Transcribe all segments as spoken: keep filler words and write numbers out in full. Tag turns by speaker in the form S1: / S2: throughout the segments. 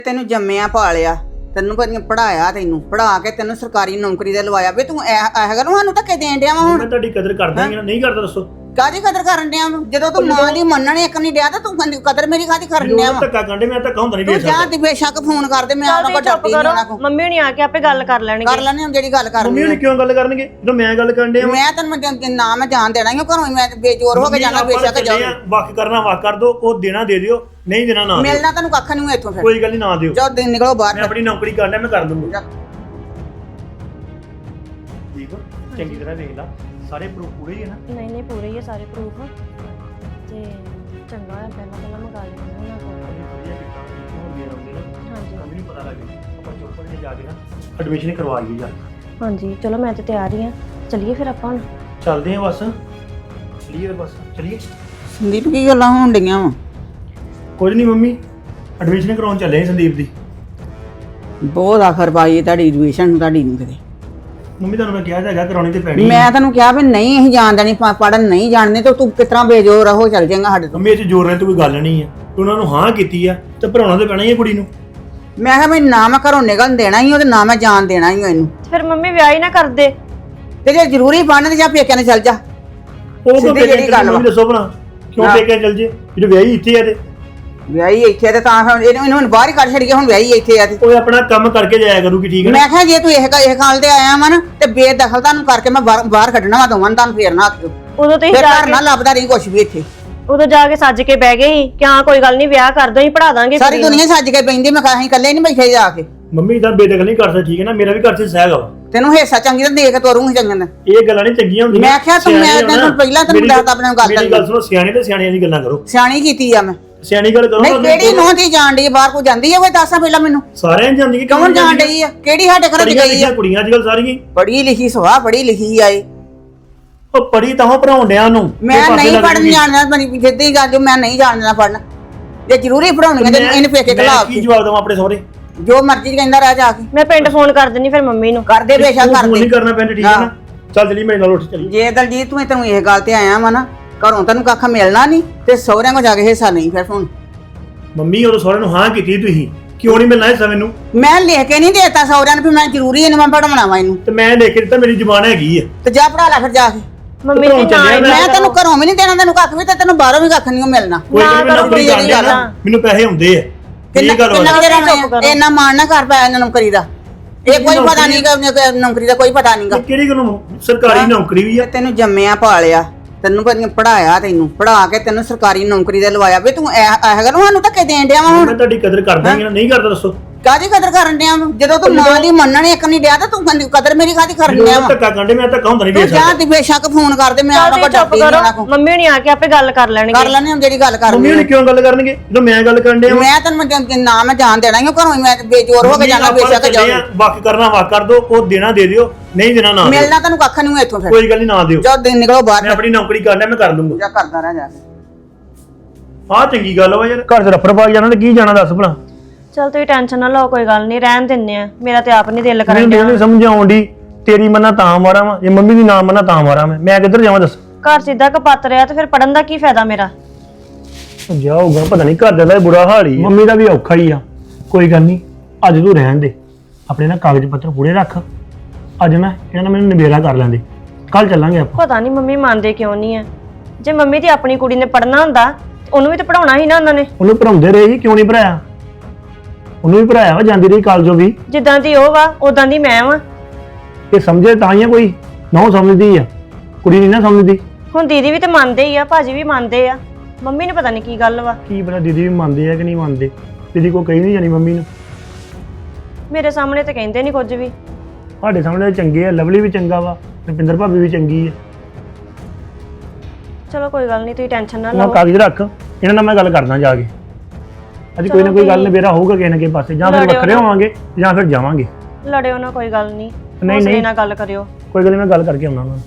S1: ਤੈਨੂੰ ਜੰਮਿਆ ਪਾਲਿਆ ਤੈਨੂੰ ਕਦੀ ਪੜਾਇਆ ਤੈਨੂੰ ਪੜਾ ਕੇ ਤੈਨੂੰ ਸਰਕਾਰੀ ਨੌਕਰੀ ਤੇ ਲਵਾਇਆ ਵੇ ਤੂੰ ਇਹ ਗੱਲ ਸਾਨੂੰ ਧੱਕੇ ਦੇਣ ਡਿਆ ਵਾ ਹੁਣ।
S2: ਮੈਂ ਤੁਹਾਡੀ ਕਦਰ ਕਰਦਾ ਹਾਂ ਨਹੀਂ ਕਰਦਾ ਦੱਸੋ
S1: ਕਾਹਦੀ ਕਦਰ ਕਰਨ ਡਿਆ ਵਾ ਜਦੋਂ ਤੂੰ ਮਾਂ ਦੀ ਮੰਨਣ ਇੱਕ ਨਹੀਂ ਡਿਆ ਤਾਂ ਤੂੰ ਕਦਰ ਮੇਰੀ ਕਾਹਦੀ ਕਰਨ ਡਿਆ ਵਾ।
S2: ਧੱਕਾ ਕੰਡੇ ਮੈਂ ਧੱਕਾ ਹੁੰਦਾ ਨਹੀਂ
S1: ਤੂੰ ਜਾ ਤੇ ਬੇਸ਼ੱਕ ਫੋਨ ਕਰ ਦੇ ਮੈਂ ਉਹਨਾਂ ਕੋਲ ਡਰਦੀ ਨਹੀਂ ਉਹਨਾਂ ਕੋਲ।
S3: ਮੰਮੀ ਹੁਣੀ ਆ ਕੇ ਆਪੇ ਗੱਲ ਕਰ ਲੈਣਗੇ।
S1: ਕਰ ਲੈਣੇ ਹੁਣ ਜਿਹੜੀ ਗੱਲ ਕਰਨੀ।
S2: ਮੰਮੀ ਹੁਣੀ ਕਿਉਂ ਗੱਲ ਕਰਨਗੇ ਜਦੋਂ ਮੈਂ ਗੱਲ ਕਰਨ ਡਿਆ
S1: ਮੈਂ ਤੈਨੂੰ ਨਾ ਮੈਂ ਜਾਣ ਦੇਣਾ ਹੀ ਘਰੋਂ ਮੈਂ ਬੇਜੋਰ ਹੋ ਕੇ ਜਾਣਾ ਬੇਸ਼ੱਕ ਜਾਓ।
S2: ਵਕ ਕਰਨਾ ਵਕ ਕਰ ਦੋ ਉਹ ਦੇਣਾ ਦੇ ਦਿਓ ਨਹੀਂ ਦੇਣਾ ਨਾ
S1: ਮਿਲਣਾ ਤੈਨੂੰ ਕੱਖ ਨਹੀਂ ਇੱਥੋਂ ਫਿਰ
S2: ਕੋਈ ਗੱਲ ਨਹੀਂ ਨਾ ਦਿਓ।
S1: ਜਾਓ ਦਿਨ ਨਿਕਲੋ ਬਾਹਰ
S2: ਮੈਂ ਆਪਣੀ ਨੌਕਰੀ ਕਰਨਾ ਮੈਂ ਕਰ ਦੂੰਗਾ। ਠੀਕ ਚੰਗੀ ਤਰ੍ਹਾਂ ਦੇਖ ਲਾ ਸਾਰੇ ਪ੍ਰੂਫ ਪੂਰੇ ਹੀ ਹੈ ਨਾ।
S3: ਨਹੀਂ ਨਹੀਂ ਪੂਰੇ ਹੀ ਆ ਸਾਰੇ ਪ੍ਰੂਫ ਤੇ ਚੰਗਾ ਹੈ ਪਹਿਲਾਂ ਪਹਿਲਾਂ ਮੰਗਾ ਲੈਣਾ ਉਹਨਾਂ ਕੋਲ। ਹਾਂਜੀ
S2: ਮੈਨੂੰ ਪਤਾ ਲੱਗ ਗਿਆ ਆਪਾਂ ਚੋਪੜ ਕੇ ਜਾ ਕੇ ਨਾ ਐਡਮਿਸ਼ਨ ਕਰਵਾਈਏ ਜਾ।
S3: ਹਾਂਜੀ ਚਲੋ ਮੈਂ ਤੇ ਤਿਆਰ ਹੀ ਆ ਚਲਿਏ ਫਿਰ ਆਪਾਂ ਹੁਣ
S2: ਚੱਲਦੇ ਹਾਂ ਬਸ ਚਲੀਏ ਬਸ ਚਲੀਏ।
S1: ਸੰਦੀਪ ਕੀ ਗੱਲਾਂ ਹੋਣ ਡੀਆਂ ਵਾ?
S2: ਕੁਝ ਨਹੀਂ ਮੰਮੀ ਐਡਮਿਸ਼ਨ ਕਰਾਉਣ ਚੱਲੇ ਹਾਂ ਸੰਦੀਪ ਦੀ।
S1: ਬਹੁਤ ਆਖਰ ਪਾਈ ਤੁਹਾਡੀ ਐਡਮਿਸ਼ਨ ਤੁਹਾਡੀ ਨੂੰ ਕਿਤੇ।
S2: ਮੰਮੀ ਤੁਹਾਨੂੰ ਮੈਂ ਕਿਹਾ ਤਾਂ ਹੈਗਾ ਕਰਾਉਣੀ ਤੇ ਪੈਣੀ।
S1: ਮੈਂ ਤੈਨੂੰ ਕਿਹਾ ਵੀ ਨਹੀਂ ਅਸੀਂ ਜਾਣ ਦੇਣੀ ਪੜਨ ਨਹੀਂ ਜਾਣਦੇ ਤੇ ਤੂੰ ਕਿਸ ਤਰ੍ਹਾਂ ਬੇਜੋਰ ਰਹੋ ਚੱਲ ਜਾਏਗਾ ਸਾਡੇ ਤੋਂ।
S2: ਮੰਮੀ ਇਹ 'ਚ ਜ਼ੋਰ ਨਾਲ ਤਾਂ ਕੋਈ ਗੱਲ ਨਹੀਂ ਹੈ ਤੂੰ ਉਹਨਾਂ ਨੂੰ ਹਾਂ ਕੀਤੀ ਆ ਤੇ ਭਰਾਉਣਾ ਤੇ ਪੈਣਾ ਹੀ ਹੈ ਕੁੜੀ ਨੂੰ।
S1: ਮੈਂ ਕਿਹਾ ਮੈਂ ਨਾ ਮੈਂ ਘਰੋਂ ਨਿਕਲਣ ਦੇਣਾ ਹੀ ਉਹ ਤੇ ਨਾ ਮੈਂ ਜਾਣ ਦੇਣਾ ਹੀ ਇਹਨੂੰ।
S3: ਫਿਰ ਮੰਮੀ ਵਿਆਹ ਹੀ ਨਾ ਕਰਦੇ
S1: ਤੇ ਜੇ ਜ਼ਰੂਰੀ ਬਣਨ ਤੇ ਜਾਂ ਪੇਕਿਆਂ ਨੇ ਚੱਲ ਜਾ।
S2: ਉਹ ਕਿਉਂ
S1: ਸਿੱਧੀ ਜਿਹੜੀ ਗੱਲ ਵਾ।
S2: ਮੰਮੀ ਦੱਸੋ ਭਲਾ ਕਿਉਂ ਪੇਕੇ ਚੱਲ ਜੇ ਜਿਹੜੇ ਵਿਆਹੀ ਇੱਥੇ ਆ ਤੇ
S1: ਵਿਆਹੀ ਇੱਥੇ ਤੇ ਤਾਂ ਫਿਰ ਇਹਨੂੰ ਇਹਨੂੰ ਹੁਣ ਬਾਹਰ ਹੀ ਕੱਢ ਛੱਡੀਏ ਹੁਣ ਵਿਆਹੀ ਇੱਥੇ ਆ ਤੇ
S2: ਉਹ ਆਪਣਾ ਕੰਮ ਕਰਕੇ ਜਾਇਆ ਕਰੂਗੀ ਠੀਕ ਹੈ ਨਾ।
S1: ਮੈਂ ਕਿਹਾ ਜੇ ਤੂੰ ਇਹ ਇਹ ਖਾਲ ਤੇ ਆਇਆ ਵਾ ਨਾ ਤੇ ਬੇਦਖਲ ਤੁਹਾਨੂੰ ਕਰਕੇ ਮੈਂ ਬਾਹਰ ਬਾਹਰ ਕੱਢਣਾ ਵਾ ਦੋਵਾਂ ਤੁਹਾਨੂੰ ਫੇਰ ਨਾ ਆਖਿਓ।
S3: ਉਦੋਂ ਤੇ
S1: ਫਿਰ
S3: ਜਾ
S1: ਘਰ ਨਾ ਲੱਭਦਾ ਰਹੀ ਕੁਛ ਵੀ ਇੱਥੇ।
S3: ਉਦੋਂ ਜਾ ਕੇ ਸੱਜ ਕੇ ਬਹਿ ਗਏ ਸੀ ਕਿ ਹਾਂ ਕੋਈ ਗੱਲ ਨਹੀਂ ਵਿਆਹ ਕਰ ਦੋ ਹੀ ਪੜਾ ਦਾਂਗੇ।
S1: ਸਾਰੀ ਦੁਨੀਆ ਸੱਜ ਕੇ ਪੈਂਦੀ ਮੈਂ ਕਿਹਾ ਅਸੀਂ ਇਕੱਲੇ ਨਹੀਂ ਬੈਠੇ ਜਾ ਕੇ।
S2: ਮੰਮੀ ਇਦਾਂ ਬੇਦਖਲ ਨਹੀਂ ਕਰ ਸਕਦੀ ਠੀਕ ਹੈ ਨਾ। ਮੇਰਾ ਵੀ ਘਰ 'ਚ ਸਹਿਗਾ ਵਾ
S1: ਤੈਨੂੰ ਹਿੱਸਾ ਚੰਗੀ ਤਰ੍ਹਾਂ ਦੇ ਕੇ ਤੋਰੂੰਗੀ ਚੰਗੇ ਨਾਲ।
S2: ਇਹ ਗੱਲਾਂ ਨਹੀਂ ਚੰਗੀਆਂ ਹੁੰਦੀਆਂ।
S1: ਮੈਂ ਕਿਹਾ ਤੂੰ ਮੈਂ ਤੈਨੂੰ ਪਹਿਲਾਂ ਤੈਨੂੰ ਦੱਸਦਾ ਆਪਣੇ ਗੱਲ
S2: ਮੇਰੀ ਗੱਲ ਸੁਣੋ ਸਿਆਣੇ ਤੇ ਸਿਆਣੀਆਂ ਦੀ ਗੱਲਾਂ ਕਰੋ।
S1: ਸਿਆਣੀ ਕੀਤੀ ਆ ਮੈਂ
S2: ਸਿਆਣੀ ਗੱਲ ਕਰੋ।
S1: ਨਹੀਂ ਕਿਹੜੀ ਨੂੰਹ ਦੀ ਜਾਣ ਡਈ ਬਾਹਰ ਕੋ ਜਾਂਦੀ ਆ ਕੋਈ ਦੱਸਾਂ ਪਹਿਲਾਂ ਮੈਨੂੰ।
S2: ਸਾਰਿਆਂ ਜਾਂਦੀ ਕਿ
S1: ਕੌਣ ਜਾਣ ਡਈ ਆ ਕਿਹੜੀ ਸਾਡੇ ਘਰ ਚ ਗਈ ਆ?
S2: ਕੁੜੀਆਂ ਅੱਜ ਕੱਲ ਸਾਰੀਆਂ
S1: ਪੜ੍ਹੀ ਲਿਖੀ ਸੁਹਾ ਪੜ੍ਹੀ ਲਿਖੀ ਆਏ।
S2: ਉਹ ਪੜੀ ਤਾਂ ਭਰਾਉਣ ਡਿਆ ਨੂੰ
S1: ਮੈਂ ਨਹੀਂ ਪੜਨ ਜਾਣਦਾ ਮੇਰੀ ਜਿੱਦੀ ਗੱਲ ਜੋ ਮੈਂ ਨਹੀਂ ਜਾਣਦਾ ਪੜਨ ਜੇ ਜ਼ਰੂਰੀ ਪੜਾਉਣੀ ਤੇ ਇਹਨੇ ਪੇਕੇ ਖਲਾਫ
S2: ਕੀ ਜਵਾਬ ਦਵਾਂ ਆਪਣੇ ਸਹੁਰੇ
S1: ਜੋ ਮਰਜ਼ੀ ਕਹਿੰਦਾ ਰਹਿ ਜਾ ਕੇ।
S3: ਮੈਂ ਪਿੰਡ ਫੋਨ ਕਰ ਦਿੰਨੀ ਫਿਰ ਮੰਮੀ ਨੂੰ।
S1: ਕਰਦੇ ਬੇਸ਼ੱਕ ਕਰਦੇ
S2: ਨਹੀਂ ਕਰਨਾ ਪੈਂਦਾ ਠੀਕ ਹੈ ਨਾ। ਚੱਲ ਚਲੀ ਮੇਰੇ ਨਾਲ ਉੱਠ ਚਲੀ।
S1: ਜੇ ਦਲਜੀਤ ਤੂੰ ਤੈਨੂੰ ਇਹ ਗੱਲ ਤੇ ਆਇਆ ਵਾ ਨਾ ਘਰੋਂ ਤੈਨੂੰ ਕੱਖ ਮਿਲਣਾ ਨਹੀਂ ਤੇ ਸਹੁਰਿਆਂ ਕੋ ਜਾ ਕੇ ਹਿੱਸਾ ਨਹੀਂ ਫਿਰ ਹੁਣ।
S2: ਮੰਮੀ ਉਹ ਸਹੁਰੇ ਨੂੰ ਹਾਂ ਕੀਤੀ ਤੁਸੀਂ ਕਿਉਂ ਨਹੀਂ ਮਿਲਣਾ ਹਿੱਸਾ ਮੈਨੂੰ?
S1: ਮੈਂ ਲਿਖ ਕੇ ਨਹੀਂ ਦੇਤਾ ਸਹੁਰਿਆਂ ਨੂੰ ਵੀ ਮੈਂ ਜ਼ਰੂਰੀ ਇਹਨੂੰ ਮੈਂ ਪੜਾਉਣਾ ਵਾ ਇਹਨੂੰ
S2: ਤੇ ਮੈਂ ਲਿਖ ਕੇ ਦਿੱਤਾ ਮੇਰੀ ਜ਼ੁਬਾਨ ਹੈਗੀ ਆ।
S1: ਤੇ ਜਾ ਪੜਾ ਲੈ ਫਿਰ ਜਾ ਕੇ।
S3: ਮੰਮੀ ਦੀ ਨਾ
S1: ਮੈਂ ਤੈਨੂੰ ਘਰੋਂ ਵੀ ਨਹੀਂ ਦੇਣਾ ਤੈਨੂੰ ਕੱਖ ਵੀ ਤੇ ਤੈਨੂੰ ਬਾਹਰੋਂ ਵੀ ਕੱਖ ਨਹੀਂ ਮਿਲਣਾ।
S2: ਕੋਈ ਗੱਲ ਨਹੀਂ ਨੌਕਰੀ ਕਰਦੀ ਆ ਮੈਨੂੰ ਪੈਸੇ ਹੁੰਦੇ ਆ।
S1: ਕਿੰਨਾ ਕਿੰਨਾ ਵਜੇ ਰਹਿਣਾ ਇੰਨਾ ਮਾਣ ਨਾ ਕਰ ਪਾਇਆ ਨੌਕਰੀ ਦਾ। ਇਹ ਕੋਈ ਪਤਾ ਨਹੀਂ ਕਿ ਨੌਕਰੀ ਦਾ ਕੋਈ ਪਤਾ ਨਹੀਂਗਾ।
S2: ਕਿਹੜੀ ਗੱਲ ਸਰਕਾਰੀ ਨੌਕਰੀ ਵੀ ਆ।
S1: ਤੈਨੂੰ ਜੰਮਿਆ ਪਾਲਿਆ ਤੈਨੂੰ ਕਦੀ ਪੜਾਇਆ ਤੈਨੂੰ ਪੜਾ ਕੇ ਤੈਨੂੰ ਸਰਕਾਰੀ ਨੌਕਰੀ ਤੇ ਲਵਾਇਆ ਵੇ ਤੂੰ ਇਹ ਗੱਲ ਸਾਨੂੰ ਧੱਕੇ ਦੇਣ ਡਿਆ ਵਾ ਹੁਣ।
S2: ਮੈਂ ਤੁਹਾਡੀ ਕਦਰ ਕਰਦਾ ਹਾਂ ਨਹੀਂ ਕਰਦਾ ਦੱਸੋ
S1: ਕਾਹਦੀ ਕਦਰ ਕਰਨ ਡਿਆ ਵਾ ਜਦੋਂ ਤੂੰ ਮਾਂ ਦੀ ਮੰਨਣ ਇੱਕ ਨਹੀਂ ਡਿਆ ਤਾਂ ਤੂੰ ਕਦਰ ਮੇਰੀ ਕਾਹਦੀ ਕਰਨ ਡਿਆ ਵਾ।
S2: ਧੱਕਾ ਕੰਡੇ ਮੈਂ ਧੱਕਾ ਹੁੰਦਾ ਨਹੀਂ
S1: ਤੂੰ ਜਾ ਤੇ ਬੇਸ਼ੱਕ ਫੋਨ ਕਰ ਦੇ ਮੈਂ ਉਹਨਾਂ ਕੋਲ ਡਰਦੀ ਨਹੀਂ ਉਹਨਾਂ ਕੋਲ।
S3: ਮੰਮੀ ਹੁਣੀ ਆ ਕੇ ਆਪੇ ਗੱਲ ਕਰ ਲੈਣਗੇ।
S1: ਕਰ ਲੈਣੇ ਹੁਣ ਜਿਹੜੀ ਗੱਲ ਕਰਨੀ।
S2: ਮੰਮੀ ਹੁਣੀ ਕਿਉਂ ਗੱਲ ਕਰਨਗੇ ਜਦੋਂ ਮੈਂ ਗੱਲ ਕਰਨ ਡਿਆ।
S1: ਮੈਂ ਤੈਨੂੰ ਨਾ ਮੈਂ ਜਾਣ ਦੇਣਾ ਹੀ ਘਰੋਂ ਮੈਂ ਬੇਜੋਰ ਹੋ ਕੇ ਜਾਣਾ ਬੇਸ਼ੱਕ ਜਾਓ।
S2: ਵਕ ਕਰਨਾ ਵਕ ਕਰ ਦੋ ਉਹ ਦੇਣਾ ਦੇ ਦਿਓ ਨਹੀਂ ਦੇਣਾ ਨਾ।
S1: ਮਿਲਣਾ ਤੈਨੂੰ ਕੱਖ ਨਹੀਂ ਇੱਥੋਂ ਫਿਰ
S2: ਕੋਈ ਗੱਲ ਨਹੀਂ ਨਾ ਦਿਓ।
S1: ਜਾਓ ਦਿਨ ਨਿਕਲੋ ਬਾਹਰ।
S2: ਮੈਂ ਆਪਣੀ ਨੌਕਰੀ ਕਰਨਾ ਮੈਂ ਕਰ ਲੂੰਗਾ।
S1: ਜਾ ਕਰਦਾ ਰਹਿ ਜਾ ਕੇ।
S2: ਆਹ ਚੰਗੀ ਗੱਲ ਵਾ ਯਾਰ ਘਰ 'ਚ ਰਫੜ ਪਾ ਜਾਣਾ ਤੇ ਕੀ ਜਾਣਾ ਦੱਸ ਭਲਾ।
S3: ਚਲ ਤੁਸੀਂ ਟੈਨਸ਼ਨ ਨਾ ਲਓ ਕੋਈ ਗੱਲ ਨਹੀਂ ਰਹਿਣ ਦਿੰਨੇ ਆ। ਮੇਰਾ ਤੇ ਆਪ ਨਹੀਂ ਦਿਲ ਕਰਨ
S2: ਮੈਨੂੰ ਨਹੀਂ ਸਮਝ ਆਉਂਦੀ ਤੇਰੀ ਮੰਨਾ ਤਾਂ ਮਾਰਾਂ ਵਾ ਜੇ ਮੰਮੀ ਦੀ ਨਾ ਮੰਨਾ ਤਾਂ ਮਾਰਾਂ ਮੈਂ ਮੈਂ ਕਿੱਧਰ ਜਾਵਾਂ ਦੱਸ।
S3: ਘਰ ਸਿੱਧਾ ਕਪੱਤ ਰਿਹਾ ਤੇ ਫਿਰ ਪੜਨ ਦਾ ਕੀ ਫਾਇਦਾ ਮੇਰਾ?
S2: ਜਾਊਗਾ ਪਤਾ ਨਹੀਂ ਘਰ ਦਾ ਬੁਰਾ ਹਾਲ ਹੀ ਮੰਮੀ ਦਾ ਵੀ ਔਖਾ ਹੀ ਆ। ਕੋਈ ਗੱਲ ਨਹੀਂ ਅੱਜ ਤੂੰ ਰਹਿਣ ਦੇ ਆਪਣੇ ਨਾ ਕਾਗਜ਼ ਪੱਤਰ ਪੂਰੇ ਰੱਖ। ਅੱਜ ਨਾ ਇਹਨਾਂ ਨਾਲ ਮੈਨੂੰ ਨਿਬੇੜਾ ਕਰ ਲੈਂਦੇ ਕੱਲ ਚੱਲਾਂਗੇ ਆਪਾਂ।
S3: ਪਤਾ ਨਹੀਂ ਮੰਮੀ ਮੰਨਦੇ ਕਿਉਂ ਨਹੀਂ ਆ। ਜੇ ਮੰਮੀ ਦੀ ਆਪਣੀ ਕੁੜੀ ਨੇ ਪੜਨਾ ਹੁੰਦਾ ਉਹਨੂੰ ਵੀ ਤਾਂ ਪੜਾਉਣਾ ਸੀ ਨਾ ਉਹਨਾਂ ਨੇ।
S2: ਉਹਨੂੰ ਪੜਾਉਂਦੇ ਰਹੇ ਜੀ ਕਿਉਂ ਨਹੀਂ ਪੜਾਇਆ? ਉਹਨੂੰ ਵੀ ਪੜਾਇਆ ਵਾ ਜਾਂਦੀ ਰਹੀ ਕਾਲਜੋਂ ਵੀ।
S3: ਜਿੱਦਾਂ ਦੀ ਉਹ ਵਾ ਉਦਾਂ ਦੀ ਮੈਂ ਵਾ।
S2: ਇਹ ਸਮਝੇ ਤਾਂ ਹੀ ਆ ਕੋਈ ਨਾ ਸਮਝਦੀ ਆ ਕੁੜੀ ਨਹੀਂ ਨਾ ਸਮਝਦੀ।
S3: ਹੁਣ ਦੀਦੀ ਵੀ ਤੇ ਮੰਨਦੇ ਹੀ ਆ ਭਾਜੀ ਵੀ ਮੰਨਦੇ ਆ। ਮੰਮੀ ਨੂੰ ਪਤਾ ਨਹੀਂ ਕੀ ਗੱਲ ਵਾ।
S2: ਕੀ ਪਤਾ ਦੀਦੀ ਵੀ ਮੰਨਦੇ ਆ ਕਿ ਨਹੀਂ ਮੰਨਦੇ। ਦੀਦੀ ਕੋ ਕਹੀ ਨਹੀਂ ਜਾਣੀ ਮੰਮੀ ਨੂੰ।
S3: ਮੇਰੇ ਸਾਹਮਣੇ ਤੇ ਕਹਿੰਦੇ ਨਹੀਂ ਕੁਝ ਵੀ।
S2: ਸਾਡੇ ਸਾਹਮਣੇ ਚੰਗੇ ਆ ਲਵਲੀ ਵੀ ਚੰਗਾ ਵਾ ਰੁਪਿੰਦਰ ਭਾਬੀ ਵੀ ਚੰਗੀ ਆ।
S3: ਚਲੋ ਕੋਈ ਗੱਲ ਨਹੀਂ ਤੁਸੀਂ ਟੈਨਸ਼ਨ ਨਾ
S2: ਮੈਂ
S3: ਲਓ।
S2: ਕਾਗਜ਼ ਰੱਖ ਇਹਨਾਂ ਨਾਲ ਮੈਂ ਗੱਲ ਕਰਦਾ ਜਾ ਕੇ। ਅੱਜ ਕੋਈ ਨਾ ਕੋਈ ਗੱਲ ਨਿਬੇੜਾ ਹੋਊਗਾ ਕਿਸੇ ਨਾ ਕਿਸੇ ਪਾਸੇ ਜਾਂ ਫਿਰ ਵੱਖਰੇ ਹੋਵਾਂਗੇ ਜਾਂ ਫਿਰ ਜਾਵਾਂਗੇ।
S3: ਲੜਿਓ ਨਾ ਕੋਈ ਗੱਲ ਨਹੀਂ।
S2: ਨਹੀਂ ਨਹੀਂ
S3: ਨਾਲ ਗੱਲ ਕਰਿਓ।
S2: ਕੋਈ ਗੱਲ ਨਹੀਂ ਮੈਂ ਗੱਲ ਕਰਕੇ ਆਉਣਾ ਉਹਨਾਂ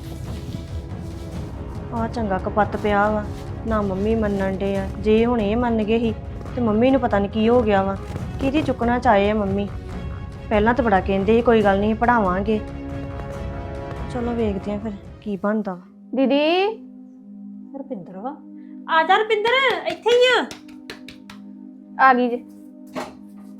S3: ਆ ਚੰਗਾ ਕਪੱਤ ਪਿਆ ਵਾ ਨਾ ਮੰਮੀ ਮੰਨਣ ਡੇ ਆ। ਜੇ ਹੁਣ ਇਹ ਮੰਨ ਗਏ ਸੀ ਤੇ ਮੰਮੀ ਨੂੰ ਪਤਾ ਨਹੀਂ ਕੀ ਹੋ ਗਿਆ ਵਾ। ਕਿਹਦੀ ਚੁੱਕਣਾ ਚਾਹੇ ਆ ਮੰਮੀ। ਪਹਿਲਾਂ ਤਾਂ ਬੜਾ ਕਹਿੰਦੇ ਸੀ ਕੋਈ ਗੱਲ ਨਹੀਂ ਪੜਾਵਾਂਗੇ। ਚਲੋ ਵੇਖਦੇ ਆ ਫਿਰ ਕੀ ਬਣਦਾ ਵਾ।
S4: ਦੀਦੀ ਰੁਪਿੰਦਰ ਵਾ ਆ ਜਾ ਰੁਪਿੰਦਰ ਇੱਥੇ ਹੀ ਆ ਆ ਗਈ ਜੇ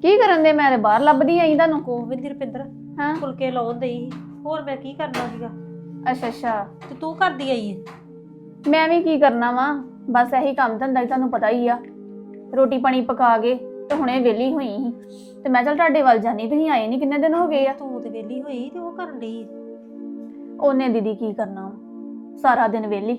S4: ਕੀ ਕਰਨ ਦੇ? ਮੈਂ ਤੇ ਬਾਹਰ ਲੱਭਦੀ ਆਈ ਤੁਹਾਨੂੰ।
S5: ਕੋਵਿੰਦ ਦੀ ਰੁਪਿੰਦਰ
S4: ਹਾਂ
S5: ਫੁਲਕੇ ਲਾਉਣ ਦਈ ਸੀ। ਹੋਰ ਮੈਂ ਕੀ ਕਰਨਾ ਸੀਗਾ?
S4: ਅੱਛਾ ਅੱਛਾ।
S5: ਤੇ ਤੂੰ ਕਰਦੀ ਆਈ ਏ?
S4: ਮੈਂ ਵੀ ਕੀ ਕਰਨਾ ਵਾ, ਬਸ ਇਹੀ ਕੰਮ ਧੰਦਾ ਹੀ ਤੁਹਾਨੂੰ ਪਤਾ ਹੀ ਆ। ਰੋਟੀ ਪਾਣੀ ਪਕਾ ਕੇ ਤੇ ਹੁਣੇ ਵਿਹਲੀ ਹੋਈ ਸੀ ਤੇ ਮੈਂ ਚੱਲ ਤੁਹਾਡੇ ਵੱਲ ਜਾਨੀ, ਤੁਸੀਂ ਆਏ ਨਹੀਂ ਕਿੰਨੇ ਦਿਨ ਹੋ ਗਏ ਆ।
S5: ਤੂੰ ਤੇ ਵਿਹਲੀ ਹੋਈ ਤੇ ਉਹ ਕਰਨ ਡਈ ਏ।
S4: ਉਹਨੇ ਦੀਦੀ ਕੀ ਕਰਨਾ ਵਾ, ਸਾਰਾ ਦਿਨ ਵਿਹਲੀ।